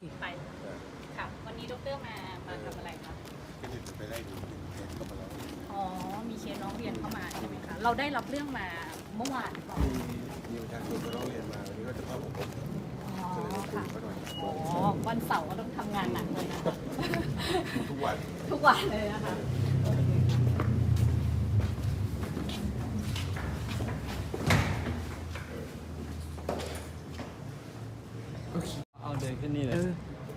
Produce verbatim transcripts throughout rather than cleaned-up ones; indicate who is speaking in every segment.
Speaker 1: ไปค่ะวันนี้ดรมามาทำอะไรคะ
Speaker 2: ก็จะไปไล่ดูเคสเข้ามาแล้ว
Speaker 1: อ๋อมีเคสน้องเรียนเข้ามาใช่ไหมคะเราได้รับเรื่องมาเมื่อวานหรือเปล่า
Speaker 2: มีมีประชาชนมาร้องเรียนมาวันนี้ก็จะเข้าอบรม
Speaker 1: อ๋อค่ะอ๋อวันเสาร์ก็ต้องทำงานหนักเลยนะคะ
Speaker 2: ทุกวัน
Speaker 1: ทุกวันเลยนะคะ
Speaker 3: เอาเดินขึ้นนี่เลย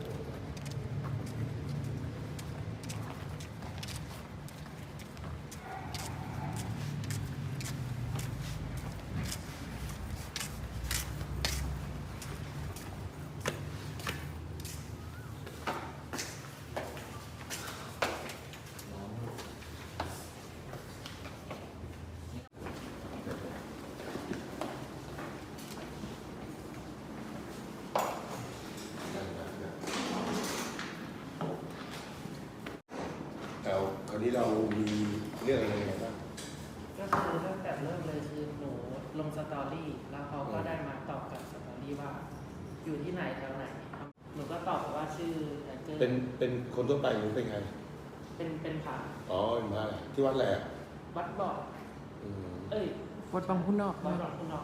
Speaker 2: แล้วคราวนี้เรามีเรื่องอะไรไงบ้าง
Speaker 4: ก็คือตั้งแต่เริ่มเลยคือหนูลงสตอรี่แล้วเขาก็ได้มาตอบกับสตอรี่ว่าอยู่ที่ไหนแถวไหนหนูก็ตอบว่าชื่อ
Speaker 2: เป็นเป็นคนทั่วไปหรือเป็นใคร
Speaker 4: เป็นเป็นผ่า
Speaker 2: อ๋อเป็นพระอะไรที่วัดอะไรอ่ะ
Speaker 4: วัดบ่อเอ้ย
Speaker 3: วัดบางพุ่นนอก
Speaker 4: วัดบางพุ่นนอก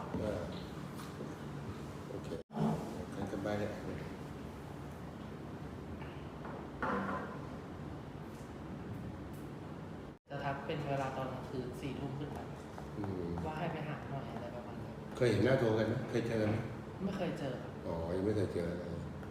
Speaker 2: โอเคกันกันไปเนี่ย
Speaker 4: จะทักเป็นเวลาตอนกลางคืนสี่ทุ่มขึ้นไปว่าให้ไปหาหน่อยอะไรประมาณนี้
Speaker 2: เคยเห็นหน้าโทรกันไหมเคยเจอไหม
Speaker 4: ไม่เคยเจอ
Speaker 2: อ๋อยังไม่เคยเจอเลย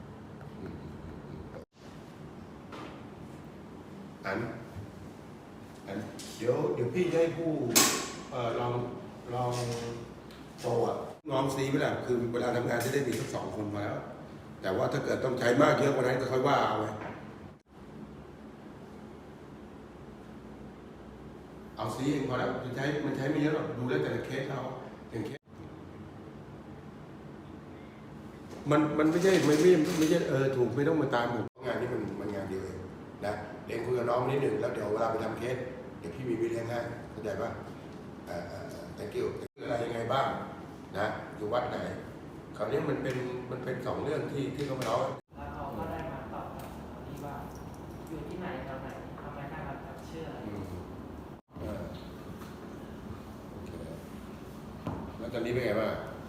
Speaker 2: อันอันเดี๋ยวเดี๋ยวพี่จะให้ผู้เอ่อลองลองโตอ่ะลองซีไปแหละคือเวลาทำงานจะได้มีสักสองคนมาแล้วแต่ว่าถ้าเกิดต้องใช้มากเยอะกว่านั้นก็ค่อยว่าเอาไว้เอาซีเองพอแล้วจะใช้มันใช้ไม่เยอะหรอกดูได้แต่ละเคสเราอย่างเคสมันมันไม่ใช่ไม่ไม่ไม่ใช่เออถูกไม่ต้องมาตามหมดงานนี้มันมันงานเดียวเองนะเด็กคุยกับน้องนิดหนึ่งแล้วเดี๋ยวเวลาไปทำเคสเดี๋ยวพี่มีวิเลี้ยงให้เข้าใจป่ะอ่าอ่า thank you อะไรยังไงบ้างนะอยู่วัดไหนคราวนี้มันเป็นมันเป็นสองเรื่องที่ที่เขามาเล่า
Speaker 4: แล้วเขาก็ได้มาตอบกับที่ว่าอยู่ที่ไหนแถวไหนทำไมน่ารักเชื่อ
Speaker 2: แล้วตอนนี้เป็นไงบ้าง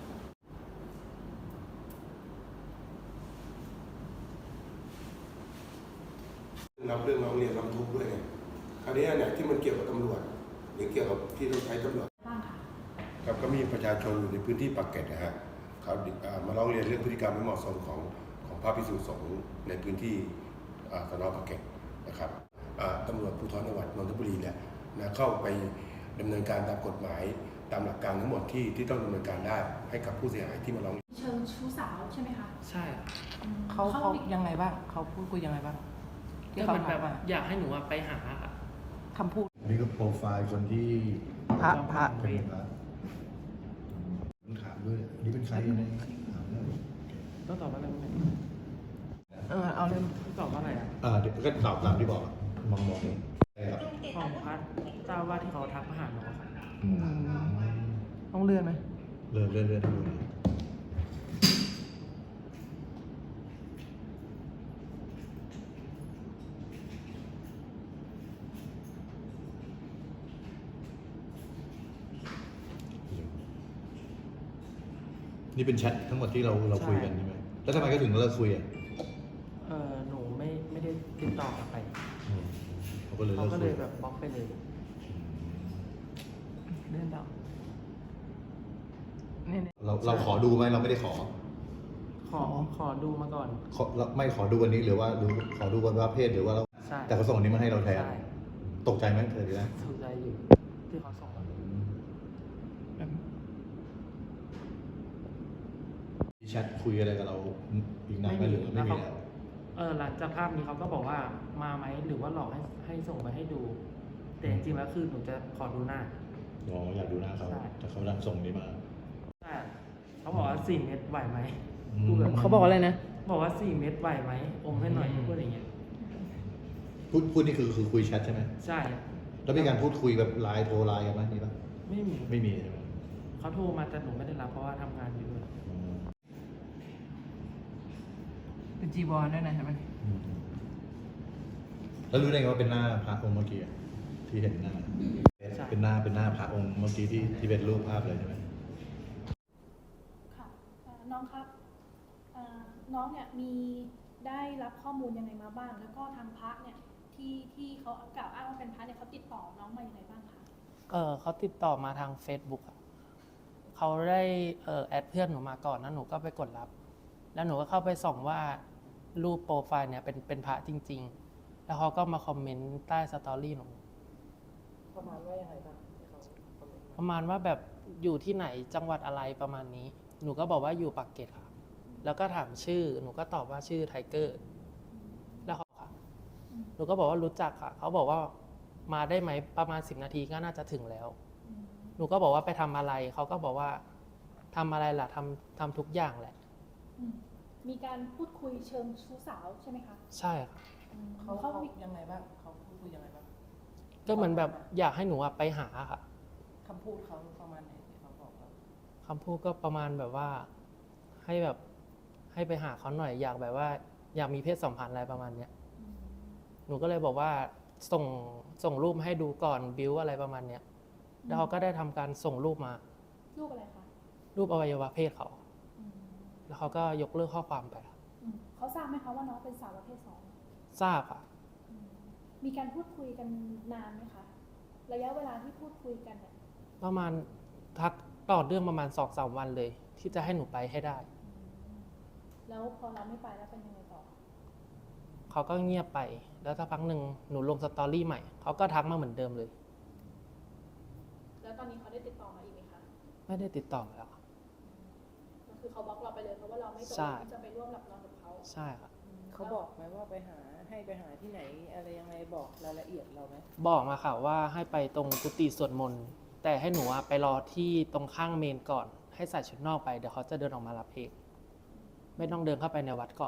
Speaker 2: รับเรื่องร้องเรียนร้องทุกข์ด้วยไงคราวนี้เนี่ยที่มันเกี่ยวกับตำรวจหรือเกี่ยวกับที่ต้องใช้ตำรวจครับก็มีประชาชนอยู่ในพื้นที่ปากเกร็ดนะฮะเขามาร้องเรียนเรื่องพฤติกรรมไม่เหมาะสมของของพระภิกษุสงฆ์ในพื้นที่สน.ปากเกร็ดนะครับตำรวจภูธรจังหวัดนนทบุรีเนี่ยนะเข้าไปดำเนินการตามกฎหมายตามหลักการทั้งหมดที่ที่ต้องดำเนินการได้ให้กับผู้เสียหายที่มาร้อง
Speaker 1: เชิงชู้สาวใช่ไหมคะ
Speaker 4: ใช่
Speaker 3: เขาเขายังไงบ้างเขาพูดคุยยังไงบ้าง
Speaker 4: ก็เป็นแบบอยากให้หนูไปหา
Speaker 3: คำพูด
Speaker 5: นี่ก็โปรไฟล์คนที่
Speaker 3: พระพระ
Speaker 5: เป็นพระถามด้วยนี่เป็นใครเนี่ยถามแล้ว
Speaker 4: ต้องตอบว่าอะไรบ้าง
Speaker 3: เออเอาเรื่อง
Speaker 4: ตอบว่าอะไรอ่ะ
Speaker 5: อ่าเดี๋ยวก็ตอบตามที่บอกมองมอง
Speaker 4: ครับของพัดเจ้าว่าที่เขาทักมาหาน้องครับ
Speaker 3: ต้องเลื่อนไหม
Speaker 5: เลื่อนเลื่อนเลื่อนดูนี่เป็นแชททั้งหมดที่เราเราคุยกันใช่ไหมแล้วทำไมก็ถึงเลิกคุยอ่ะ
Speaker 4: เออหนูไม่ไม่ได้ติดต่อกลับไป
Speaker 5: เขาก็เลย
Speaker 4: เขาก็เลยแบบบล็อกไปเลย
Speaker 3: เลื่อนต่อ
Speaker 5: เราเราขอดูไหมเราไม่ได้ขอ
Speaker 4: ขอขอดูมาก่อน
Speaker 5: ขอไม่ขอดูวันนี้หรือว่าดูขอดูวันว่าเพศหรือว่าเราแต่เขาส่งอันนี้มาให้เราแทนตกใจไหมเธอดีนะ
Speaker 4: ตกใจอยู่ที่เขาส่งมา
Speaker 5: แชทคุยอะไรกับเราอีกนานไหมหรือไม่มีแล้ว
Speaker 4: เออหลังจากภาพนี้เขาก็บอกว่ามาไหมหรือว่าหลอกให้ให้ส่งไปให้ดูแต่จริงๆแล้วคือหนูจะขอดูหน้า
Speaker 5: อ๋ออยากดูหน้าเขาแต่เขาดันส่งนี้มา
Speaker 4: ใช่เขาบอกว่าสี่เม็ดไหวไหม
Speaker 3: เขาบอกอะไรนะ
Speaker 4: บอกว่าสี่เม็ดไหวไหมอมให้หน่อยพูดอย่างเงี้ย
Speaker 5: พูดพูดนี่คือคือคุยแชทใช่ไหม
Speaker 4: ใช่
Speaker 5: แล้วมีการพูดคุยแบบไลน์โทรไลน์กันไหมมีปะ
Speaker 4: ไม่มี
Speaker 5: ไม่มีใช่ไหม
Speaker 4: เขาโทรมาแต่หนูไม่ได้รับเพราะว่าทำงานอยู่ด้วย
Speaker 3: เป็นจีวรด้วยนะเห็นไหม
Speaker 5: อืมแล้วรู้ได้ไงว่าเป็นหน้าพระองค์เมื่อกี้อะที่เห็นหน้าเป็นหน้าเป็นหน้าพระองค์เมื่อกี้ที่ที่เป็นรูปภาพเลยใช่ไหม
Speaker 6: ค่ะเอ่อน้องครับเอ่อน้องเนี่ยมีได้รับข้อมูลยังไงมาบ้าง แล้วก็ทางพระเนี่ยที่ที่เขากล่าวอ้างว่าเป็นพระเนี่ยเขาติดต่อน้องมาอย่างไรบ้างคะ
Speaker 4: เออเขาติดต่อมาทาง Facebook อะเขาได้เออแอดเพื่อนหนูมาก่อนแล้วหนูก็ไปกดรับ แล้วหนูก็เข้าไปส่องว่ารูปโปรไฟล์เนี่ยเป็นเป็นพระจริง ๆ แล้วเขาก็มาคอมเมนต์ใต้สตอรี่หนู
Speaker 3: ประมาณว่ายังไงบ้างที่เขาคอมเมนต์
Speaker 4: ประมาณว่าแบบอยู่ที่ไหนจังหวัดอะไรประมาณนี้ หนูก็บอกว่าอยู่ปากเกร็ดค่ะ แล้วก็ถามชื่อ หนูก็ตอบว่าชื่อไทเกอร์ แล้วเขาค่ะ หนูก็บอกว่ารู้จักค่ะ เขาบอกว่ามาได้ไหมประมาณสิบนาทีก็น่าจะถึงแล้ว หนูก็บอกว่าไปทำอะไร เขาก็บอกว่าทำอะไรล่ะทำทำทุกอย่างแหละ
Speaker 6: อืมมีการพูดคุยเชิงชู้สาวใช่ไหมคะ
Speaker 4: ใช่ค่ะ
Speaker 6: อืม
Speaker 3: เขา
Speaker 6: เขา
Speaker 3: เขา
Speaker 6: มี
Speaker 3: ยังไงบ้างเขาพูดคุยยังไงบ้าง
Speaker 4: ก็เหมือนแบบอยากให้หนูอะไปหาค่ะ
Speaker 3: คำพูดเขาประมาณไหนที่เขาบอกเรา
Speaker 4: คำพูดก็ประมาณแบบว่าให้แบบให้ไปหาเขาหน่อย อยากแบบว่าอยากมีเพศสัมพันธ์อะไรประมาณเนี้ย
Speaker 6: อืม
Speaker 4: หนูก็เลยบอกว่าส่งส่งรูปให้ดูก่อนบิวอะไรประมาณเนี้ย แล้วเขาก็ได้ทำการส่งรูปมา
Speaker 6: รูปอะไรคะ
Speaker 4: รูปอวัยวะเพศเขา
Speaker 6: อืม
Speaker 4: แล้วเขาก็ยกเลิกข้อความไปค่ะ
Speaker 6: อืมเขาทราบไหมคะว่าน้องเป็นสาวประเภทสอง
Speaker 4: ทราบค่ะ
Speaker 6: อืมมีการพูดคุยกันนานไหมคะ ระยะเวลาที่พูดคุยกันเนี่ย
Speaker 4: ประมาณทักต่อเรื่องประมาณสองสามวันเลย ที่จะให้หนูไปให้ได้
Speaker 6: อืมแล้วพอเราไม่ไปแล้วเป็นยังไงต่อ
Speaker 4: เขาก็เงียบไป แล้วสักพักหนึ่งหนูลงสตอรี่ใหม่ เขาก็ทักมาเหมือนเดิมเลย
Speaker 6: แล้วตอนนี้เขาได้ติดต่อมาอีกไหมคะ
Speaker 4: ไม่ได้ติดต่อมาแล้วค่ะ
Speaker 6: ก็คือเขาบล็อกเราไปเลยเพราะว่าเราไม่ตก
Speaker 4: ใช่
Speaker 6: ลงที่จะไปร่วมหลับนอนกับเขา
Speaker 4: ใช่ค่ะ
Speaker 3: เขาบอกไหมว่าไปหาให้ไปหาที่ไหนอะไรยังไงบอกรายละเอียดเราไหม
Speaker 4: บอกมาค่ะว่าให้ไปตรงกุฏิสวดมนต์ แต่ให้หนูอะไปรอที่ตรงข้างเมนก่อน ให้ใส่ชุดนอกไป เดี๋ยวเขาจะเดินออกมารับเอง ไม่ต้องเดินเข้าไปในวัดก่อน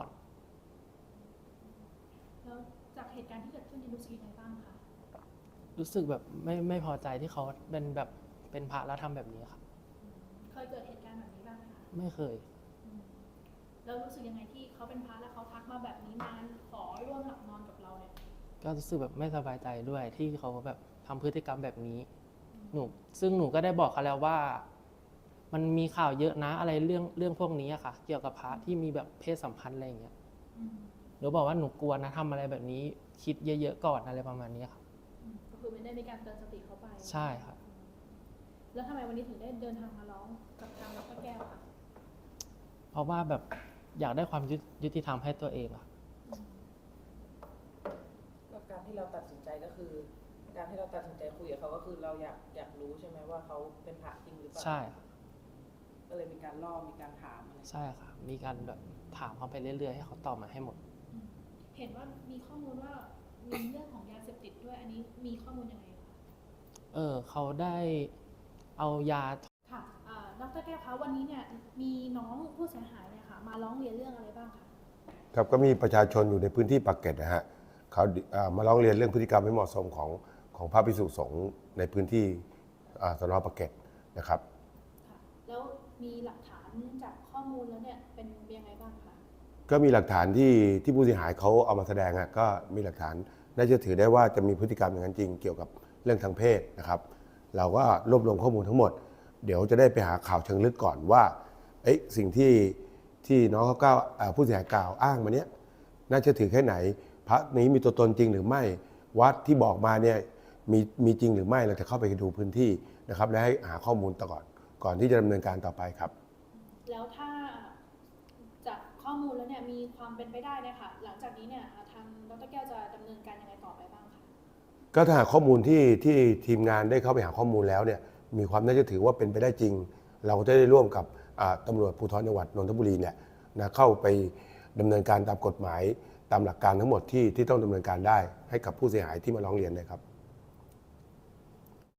Speaker 6: แล้วจากเหตุการณ์ที่เกิดขึ้นในรู้สึกยังไงบ้างคะ
Speaker 4: รู้สึกแบบไม่ไม่พอใจที่เขาเป็นแบบเป็นพระแล้วทำแบบนี้ค่ะ
Speaker 6: เคยเกิดเหตุการณ์แบบนี้บ้างไหมคะ
Speaker 4: ไม่เคย
Speaker 6: อืมแล้วรู้สึกยังไงที่เขาเป็นพระแล้วเขาทักมาแบบนี้มาขอร่วมหลับนอนกับเราเนี่ย
Speaker 4: ก็รู้สึกแบบไม่สบายใจด้วยที่เขาแบบทำพฤติกรรมแบบนี้ หนูซึ่งหนูก็ได้บอกเขาแล้วว่า มันมีข่าวเยอะนะอะไรเรื่องเรื่องพวกนี้อะค่ะ เกี่ยวกับพระที่มีแบบเพศสัมพันธ์อะไรอย่างเงี้ย
Speaker 6: อืม
Speaker 4: หนูบอกว่าหนูกลัวนะทำอะไรแบบนี้ คิดเยอะๆก่อนอะไรประมาณนี้ค่ะ
Speaker 6: อืมก็คือไม่ได้มีการเตือนสติเขาไป
Speaker 4: ใช่ค่ะ
Speaker 6: แล้วทำไมวันนี้ถึงได้เดินทางมาร้องกับทางดรแก้วคะ
Speaker 4: เพราะว่าแบบอยากได้ความยุติยุติธรรมให้ตัวเองอะ
Speaker 3: ก็การที่เราตัดสินใจก็คือ การที่เราตัดสินใจคุยกับเขาก็คือเราอยากอยากรู้ใช่ไหมว่าเขาเป็นพระจริงหรือเปล่า
Speaker 4: ใช่ค่ะ
Speaker 3: ก็เลยมีการล่อมีการถามอะไร
Speaker 4: ใช่ค่ะ มีการแบบถามเขาไปเรื่อยๆให้เขาตอบมาให้หมด
Speaker 6: อืมเห็นว่ามีข้อมูลว่ามีเรื่องของยาเสพติดด้วย อันนี้มีข้อมูลยังไงคะ
Speaker 4: เออเขาได้เอายา
Speaker 6: ค่ะอ่าดรแก้วคะวันนี้เนี่ยมีน้องผู้เสียหายเนี่ยค่ะมาร้องเรียนเรื่องอะไรบ้างคะ
Speaker 2: ครับก็มีประชาชนอยู่ในพื้นที่ปากเกร็ดนะฮะเขาอ่ามาร้องเรียนเรื่องพฤติกรรมไม่เหมาะสมของของพระภิกษุสงฆ์ในพื้นที่อ่าสน.ปากเกร็ดนะครับ
Speaker 6: ค่ะแล้วมีหลักฐานจากข้อมูลแล้วเนี่ยเป็นยังไงบ้างคะ
Speaker 2: ก็มีหลักฐานที่ที่ผู้เสียหายเขาเอามาแสดงอะก็มีหลักฐานน่าจะถือได้ว่าจะมีพฤติกรรมอย่างนั้นจริงเกี่ยวกับเรื่องทางเพศนะครับ เราก็รวบรวมข้อมูลทั้งหมด เดี๋ยวจะได้ไปหาข่าวเชิงลึกก่อนว่าเอ๊ะสิ่งที่ที่น้องเขากล่าวอ่าผู้เสียหายกล่าวอ้างมาเนี้ยน่าจะถือแค่ไหน พระนี้มีตัวตนจริงหรือไม่วัดที่บอกมาเนี่ยมีมีจริงหรือไม่เราจะเข้าไปดูพื้นที่นะครับและให้หาข้อมูลต่อก่อนก่อนที่จะดำเนินการต่อไปครับ
Speaker 6: แล้วถ้าจากข้อมูลแล้วเนี่ยมีความเป็นไปได้เนี่ยค่ะหลังจากนี้เนี่ยทางดรแก้วจะดำเนินการยังไงต่อไปบ้างคะ
Speaker 2: ก็ถ้าหากข้อมูลที่ที่ทีมงานได้เข้าไปหาข้อมูลแล้วเนี่ยมีความน่าจะถือว่าเป็นไปได้จริง เราก็จะได้ร่วมกับอ่าตำรวจภูธรจังหวัดนนทบุรีเนี่ยนะเข้าไปดำเนินการตามกฎหมายตามหลักการทั้งหมดที่ที่ต้องดำเนินการได้ให้กับผู้เสียหายที่มาร้องเรียนเลยครับ